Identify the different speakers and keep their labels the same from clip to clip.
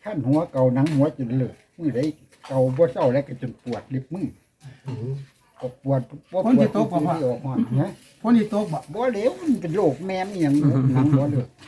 Speaker 1: ขั้นหัวเก่าหนังหัวจนเลิกมือได้เก่าบ่เศร้าแล้วก็จนปวดลิบมือก็ปวดบ่ปวดที่ออกมานะ
Speaker 2: พ้นที่โต๊ะบ่
Speaker 1: บ่เหลวมันเป็นโรคแม่มอีหยังหนังบ่เลิก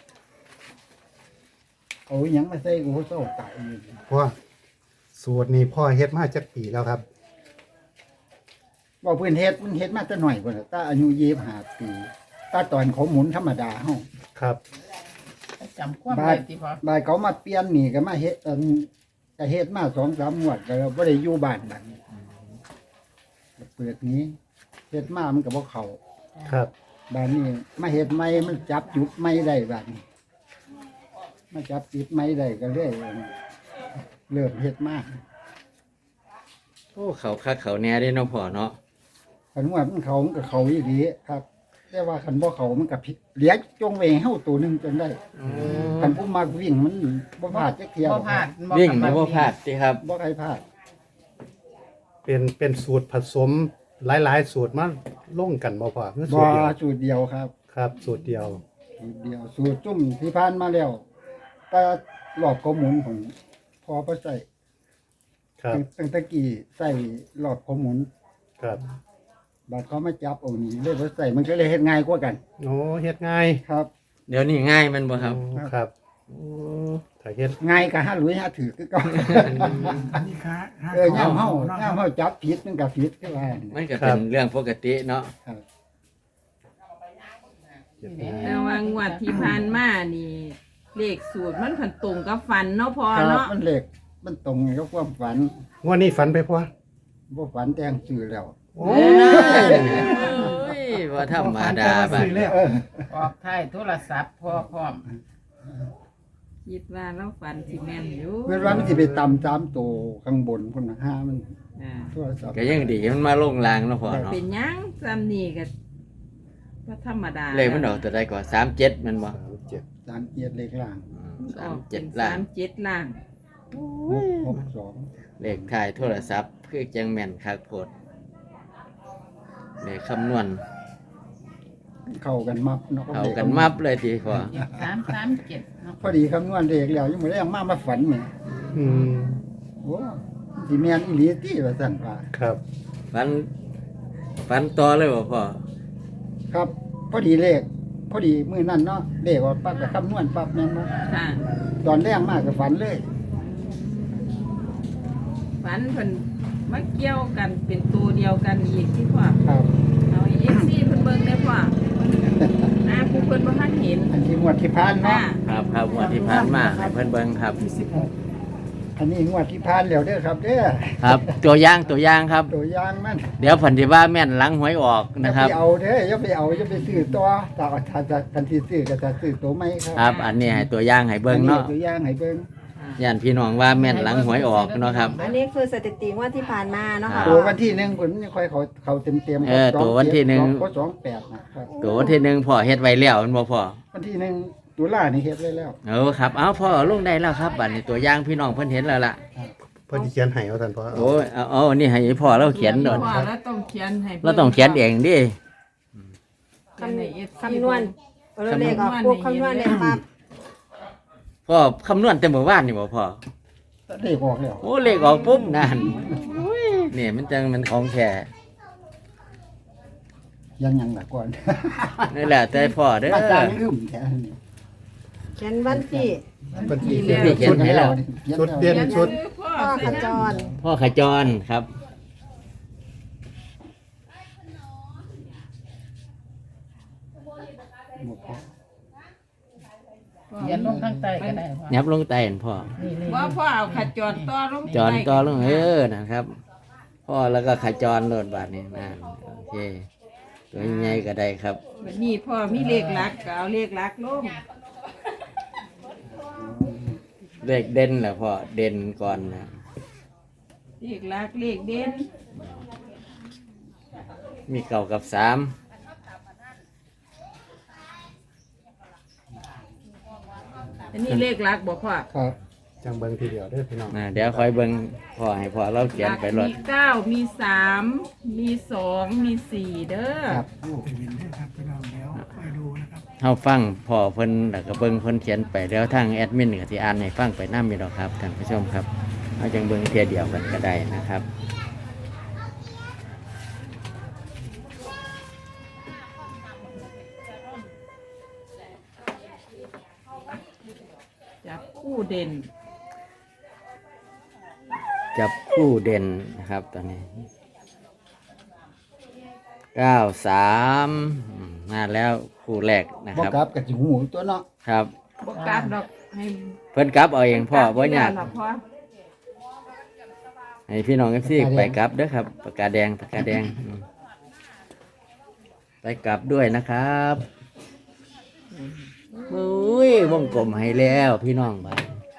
Speaker 1: เอาอีหยังมาใส่กูเศร้าตายอยู่
Speaker 3: พ่อสูตรนี้พ่อเฮ็ดมาจักปีแล้วครับ
Speaker 1: ว่าเพิ่นเฮ็ดมันเฮ็ดมาแต่น้อยพุ่นน่ะตาอายุ25ปีตาตอนเขาหมุนธรรมดาเฮา
Speaker 3: ครับ
Speaker 2: จำความได้ที่พอบ
Speaker 1: ายเขามาเปลี่ยนนี่ก็มาเฮ็ดก็เฮ็ดมา2-3งวดก็บ่ได้อยู่บ้านบัดนี้เปิดนี้เฮ็ดมามันก็บ่เข้า
Speaker 3: ครับ
Speaker 1: บ้านนี้มาเฮ็ดใหม่มันจับจุดใหม่ได้บัดนี้มาจับจุดใหม่ได้ก็เลยเริ่มเฮ็ดมา
Speaker 4: โอ้เขาคักเขาแน่ได้เนาะพ่อเนาะ
Speaker 1: คันว่ามันเขามันก็เขาอีหลีครับ แต่ว่าคันบ่เขามันก็ผิดเหลือจงไว้ให้เฮาตัวหนึงจนได้คันผู้มักวิ่งมันบ่พลาดจักเที่ยว
Speaker 2: บ่พลาด
Speaker 4: วิ่งนี่บ่พลาดติครับ
Speaker 1: บ่ใครพลาด
Speaker 3: เป็นสูตรผสมหลายๆสูตรมาลงกันบ่พ่อคือสู
Speaker 1: บ่
Speaker 3: ตรเดียว
Speaker 1: สูตรเดียวครับ
Speaker 3: ครับ สูตรเดียว
Speaker 1: สูตรเดียวสูตรจุ่มที่ผ่านมาแล้วแต่รอบข้อมูลของพอบ่ใส่
Speaker 3: ครับ
Speaker 1: ตั้งแต่กี้ใส่รอบข้อมูล
Speaker 3: ครับ
Speaker 1: บัดเขามาจับเอานี่เลยบ่ใส่มันก็เลยเฮ็ดง่ายกว่ากัน
Speaker 3: โอ้เฮ็ดง่าย
Speaker 1: ครับ
Speaker 4: เดี๋ยวนี้ง่ายมันบ่ครับ
Speaker 3: โอ้ครับ
Speaker 4: โอ้
Speaker 3: ถ้าเฮ็ด
Speaker 1: ง่ายก็หาหลุยหาถือคือเก่า
Speaker 2: อันนี้ค้า
Speaker 1: ย่ามเฮาจับผิดมันก็ผิดคือว่า
Speaker 4: มันก็เป็นเรื่องปกติเนาะ
Speaker 1: ครับ
Speaker 3: เฮ็ดง่าย
Speaker 5: แต่ว่างวดที่ผ่านมานี่เลขสูตรมันผันตรงกับฝันเนาะพอ
Speaker 1: ครับ
Speaker 5: เนาะ
Speaker 1: มันเล็กมันตรงกับความฝัน
Speaker 3: งวดนี้ฝันไปพ่อ
Speaker 1: บ่ฝันแต่งชื่อแล้ว
Speaker 3: โอ้
Speaker 4: โอ้ยว่าธรรมดาบัด
Speaker 1: เออ
Speaker 2: ออกไทยโทรศัพท์พ่อพร้อม
Speaker 5: คิดว่าเราฝันสิแม่นอยู่
Speaker 1: เมื่อวานมันสิไปตำ3ตัวข้างบนพุ่นน่ะหามัน
Speaker 5: อ่า
Speaker 1: โทรศัพท์
Speaker 4: ก็ยังดีมันมาลงรางเนาะพ่อเนาะ
Speaker 5: เป็นหยังซ้ำนี่ก็ธรรมดา
Speaker 4: เลยมันออกตัวใดก่อน37มันบ่
Speaker 3: 37
Speaker 1: 3เกียรติเลขล่าง
Speaker 5: ออกเป็น
Speaker 4: 37ล่าง
Speaker 5: 37ล่าง
Speaker 1: 662
Speaker 4: เลขท้ายโทรศัพท์คือจังแม่นคักโพดเลขคำนวณ
Speaker 1: เข้ากันมับเนาะ
Speaker 4: เข้ากันมับเลยทีพ่อ
Speaker 2: 337เนาะ
Speaker 1: พอดีคำนวณเลขแล้วยังบ่ได้เอามาฝันแหม
Speaker 3: อืม
Speaker 1: โอ้สิแม่นอีหลีติว่าซั่นว่า
Speaker 3: ครับ
Speaker 4: ฟันต่อเลยบ่พ่อ
Speaker 1: ครับ พอดีเลขพอดีมื้อนั้นเนาะเลขออกปั๊บก็คำนวณปั๊บแม่นบ่
Speaker 5: ค่ะ
Speaker 1: ตอนแรกมากก็ฝันเลย
Speaker 5: ฝันเพิ่นมาเกี่ยวกันเป็นตัวเดียวกันอีกที่พ่อ
Speaker 1: ครับ
Speaker 5: เอาเอฟซีเพิ่นเบิ่งได้พ่อผู้เพิ่นบ่ทันเห็น
Speaker 1: อันที่งวดที่ผ่าน
Speaker 5: ค่ะ
Speaker 1: เนาะ
Speaker 4: ครับงวดที่ผ่านมาให้เพิ่นเบิ่งครับ
Speaker 2: ที่16
Speaker 1: อันนี้งวดที่ผ่านแล้วเด้อครับเด้อ
Speaker 4: ครับ ตัวอย่างครับ
Speaker 1: ตัวอย่างมัน
Speaker 4: เดี๋ยวเพิ่นสิว่าแม่นหลังหวยออก
Speaker 1: อย่า
Speaker 4: นะครับ
Speaker 1: ไปเอาเด้ออย่าไปเอาอย่าไปซื้อตัวถ้าทันทีซื้อก็จะซื้อตัวใหม่ครับ
Speaker 4: ครับ อันนี้ให้ตัวอย่างให้เบิ่งเนาะ
Speaker 1: อัตัวอย่างให้เบิ่ง
Speaker 4: ย่านพี่น้องว่าแม่นหลังหวยออกเนาะครับ
Speaker 6: อันนี้คือสถิติงว่าที่ผ่านมาเนาะค่ะ
Speaker 1: ตัววันที่หนึ่งผมยังค่อยเขาเต็ม
Speaker 4: ตัววันที่หนึ่ง
Speaker 1: ก็28นะครับ
Speaker 4: ตัววันที่หนึ่งพ่อเฮ็ดไว้แล้วมันบ่พ่อ
Speaker 1: วันที่หนึ่งตุลานี่เฮ็ดไว้แล้ว
Speaker 4: เออครับเอาพ่อลงได้แล้วครับบัดนี้ตัวอย่างพี่น้องเพิ่นเห็นแล้วล่ะ
Speaker 3: พ่อสิเขียนให้ว่าท่านพ่อ
Speaker 4: โอ้ยเอาอันนี้ให้พ่อเราเขียนโดน
Speaker 5: พ่อแล้วต้องเขียนให้
Speaker 4: เราต้องเขียนเองดิ
Speaker 5: คำใน FC
Speaker 6: คำนวณเราเลขออกปุ๊บคำนวณเลยปั๊บ
Speaker 4: พ่อคำนวณแต่เมื่อวานนี่บ่พ่อ
Speaker 1: ได้ออกแล้ว
Speaker 4: โอ้เลขออกปุ๊บนั่นนี่มันจังมันของแท้
Speaker 1: ยังล่ะก่อน
Speaker 4: นี่แหละแต่พ่อเด้อ
Speaker 1: มาจางลืมแค่นี้
Speaker 6: เขียนวันที่
Speaker 3: เป็นที่
Speaker 4: ที่เขียนให้แล้ว
Speaker 3: ชุดเด่นชุด
Speaker 5: พ่อ
Speaker 6: พ่อขจร
Speaker 4: พ่อขจรครับ
Speaker 2: เขียนลงข้างใต้ก็ได้พ่อ
Speaker 4: ยับลงใต้เห็นพ่อ
Speaker 2: นี่
Speaker 5: ว่าพ่อเอาขจรต่อลง
Speaker 4: จรต่อลงนะครับ พ่อแล้วก็ขจรโดดบาทนี่นะโอเคตัวใหญ่ก็ได้ครับ
Speaker 5: วันนี้พ่อมีเลขหลักก็เอาเลขหลักลง
Speaker 4: เลขเด่นแหละพ่อเด่นก่อนนะ
Speaker 5: เลขหลักเลขเด่น
Speaker 4: มีเก่ากับ3
Speaker 5: อันนี้เลขหลักบ่พ่อ
Speaker 1: ครับ
Speaker 3: จังเบิ่งทีเดียวเด้อพี่น้อง
Speaker 4: เดี๋ยวคอยเบิ่งพ่อให้พ่อเราเขียนไปรถ
Speaker 5: มี9มี3มี2มี4เด้อ
Speaker 1: ครับ
Speaker 4: เฮาฟังพ่อเพิ่นแล้วก็เบิ่งเพิ่นเขียนไปแล้วทางแอดมินก็สิอ่านให้ฟังไปนำอยู่ดอกครับท่านผู้ชมครับเอาจังเบิ่งเทียเดียวกันก็ได้นะครับ
Speaker 5: จับคู่เด่น
Speaker 4: จับคู่เด่นนะครับตอนนี้93มาแล้วคู่แรกนะ
Speaker 1: บ่
Speaker 4: ครับ
Speaker 1: กลับกับจิหูตัวเนาะ
Speaker 4: ครับ
Speaker 5: บ่กลับดอกให้
Speaker 4: เพิ่นกลับเอาเองพ่อบ่ยาก
Speaker 5: หรอกพ่อ
Speaker 4: ให้พี่น้อง FC ไปกลับเด้อครับปากกาแดงไปกลับด้วยนะครับอุ้ยวงกลมให้แล้วพี่น้องไป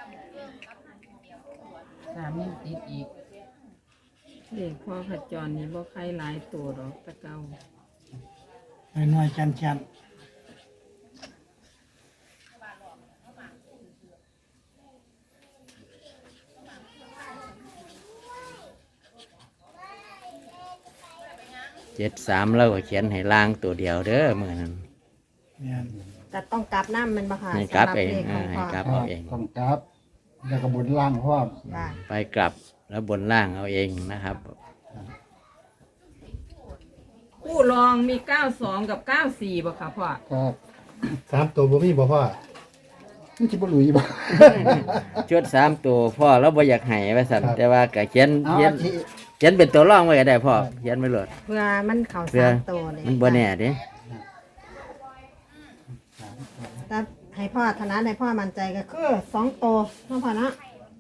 Speaker 2: 3ยังติดอีก
Speaker 5: เลขพ่อขจรนี่บ่ใครหลายตัวดอกแตะเก่า
Speaker 7: หน่อยชันชัน
Speaker 4: 73เราก็เขียนให้ล่างตัวเดียวเด้อมื้อนั้น
Speaker 7: เนี่ย
Speaker 6: จะต้องกลับน้ำมันบ่ค่ะ
Speaker 4: ให้กลับ
Speaker 6: สำห
Speaker 4: เอง
Speaker 6: ลขของ
Speaker 4: ให้
Speaker 6: พ่อก
Speaker 4: ลับ
Speaker 1: ครั
Speaker 4: เอา
Speaker 1: บ
Speaker 4: เอง
Speaker 1: ต้องกลับแล้วก็บนล่างพร้อม
Speaker 6: ค่ะ
Speaker 4: ไปกลับแล้วบนล่างเอาเองนะครับ
Speaker 5: คู่รองมี92กับ94บ่ค่ะพ่อ
Speaker 1: ครับ
Speaker 3: 3ตัวบ่มีบ่พ่อ
Speaker 1: มันสิบ่หลุยบ่
Speaker 4: ชุด3ตัวพ่อเราบ่อยากให้ว่าซั่น
Speaker 1: ครับ
Speaker 4: แต่ว่าก็เขียน
Speaker 1: เอา
Speaker 4: เขียน
Speaker 1: อาทิ
Speaker 4: เขียนเป็นตัวรองไว้ก็ได้พ่อเขียนไว้โลด
Speaker 6: เพื่อมันเข่า
Speaker 4: เพื่อ
Speaker 6: สามตัวเลย
Speaker 4: มันบ่แน่เด้
Speaker 6: แต่ให้พ่อธนัดให้พ่อมั่นใจก็คือ2ตัวเนาะพ่อเนาะ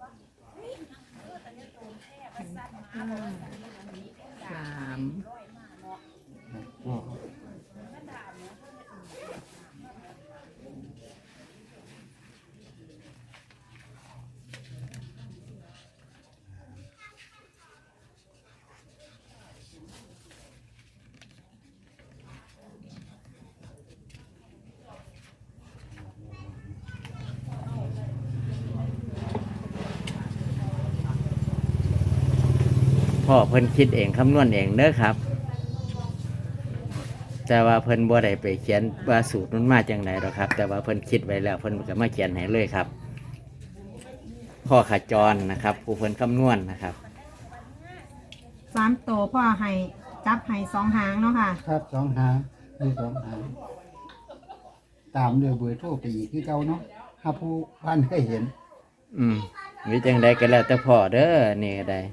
Speaker 4: พ่อเพิ่นคิดเองคำนวณเองเด้อครับ แต่ว่าเพิ่นบ่ได้ไปเขียนว่าสูตรมันมาจังไหนหรอกครับ แต่ว่าเพิ่นคิดไว้แล้วเพิ่นก็มาเขียนให้เลยครับ พ่อขจรนะครับ ผู้เพิ่นคำนวณนะครับ
Speaker 6: 3ตัวพ่อให้จับให้2หางเนาะค่ะ
Speaker 1: ครับสองหางมีสองหางตามด้วยเบอร์โทรไปอีกคือเก่าเนาะถ้าผู้พันเคยเห็น
Speaker 4: หรือจังใดก็แล้วแต่พ่อเด้อนี่ก็ได้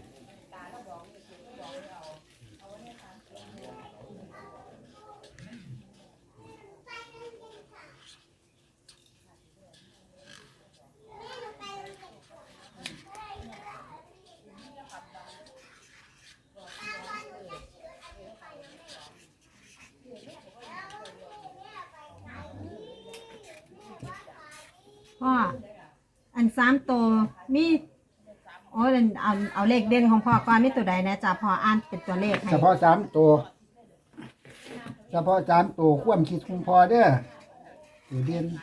Speaker 6: พ่ออัน3ตัวมีโอ้ยเอาเลขเด่นของพ่อก่อนมีตัวใดนะจ๊ะพ่ออ่านเป็นตัวเลขให้
Speaker 1: เฉพาะสามตัวเฉพาะสามตัวความคิดของพอเด้อตัวเด่น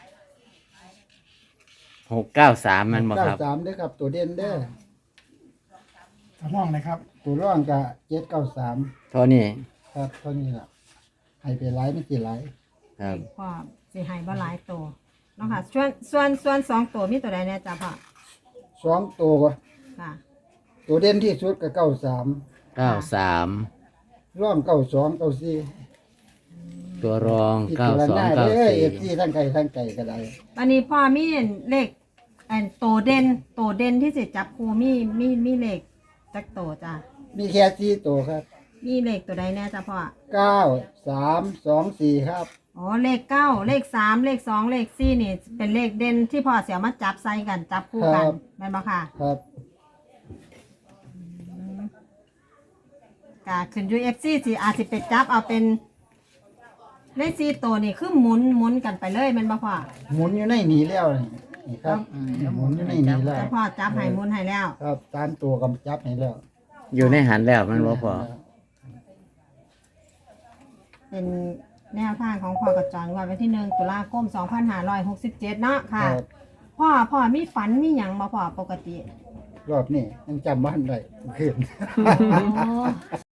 Speaker 4: 693มันบ่ครับ
Speaker 1: 93เด้อครับ ตัวเด่นเด้อ
Speaker 7: ทดลองเลยครับ
Speaker 1: ตัวร่องก็793
Speaker 4: เท่านี้
Speaker 1: ครับเท่านี้ล่ะให้ไปหลายไม่กี่หลาย
Speaker 4: ครับ
Speaker 6: พ่อสิให้บ่หลายตัวเนาะค่ะส่วน2ตัวมีตัวใดนะจ๊ะพ่อ
Speaker 1: สองตัว
Speaker 6: ค่ะ
Speaker 1: ตัวเด่นที่สุดก็93
Speaker 4: 93
Speaker 1: ร่อง92 94
Speaker 4: ตัวรอง
Speaker 1: พิจารณาเด้อ FC
Speaker 4: 9294
Speaker 1: ทั้งไกลทั้งไกลก็ได้
Speaker 6: วันนี้พ่อมีเลขอันโตเด่นที่สิจับครูมีเลขจักโตจ้ะ
Speaker 1: มีแค่4ตัวครับ
Speaker 6: มีเลขตัวใดแน่จ้ะพ่อ
Speaker 1: 9 3 2 4ครับ
Speaker 6: อ๋อเลข9เลข3เลข2เลข4นี่เป็นเลขเด่นที่พ่อเสียมาจับใส่กันจับคู่กันแม่นบ่ค่ะ
Speaker 1: ครับ
Speaker 6: ก็ขึ้น UFC สิอาจสิไปจับเอาเป็นเลข4ตัวนี่คือหมุนกันไปเลยแม่นบ่พ่อ
Speaker 1: หมุนอยู่ในนี้แล้วนี่ครับหมุนอยู่ในนี้แล้ว
Speaker 6: แต่พ่อจับให้หมุนให้แล้ว
Speaker 1: ครับตามตัวกำจับให้แล้ว
Speaker 4: อยู่ในหันแล้วมันบ่พอ
Speaker 6: เป็นแนวทางของพ่อกระจรวันที่1ตุลาคม2567เนาะ
Speaker 1: ค
Speaker 6: ค่ะ
Speaker 1: รับ
Speaker 6: พ่อมีฝันมีหยังบ่พ่อปกติ
Speaker 1: รอบนี้ยังจำบ้านได้เมื่อคืน
Speaker 6: อ๋อ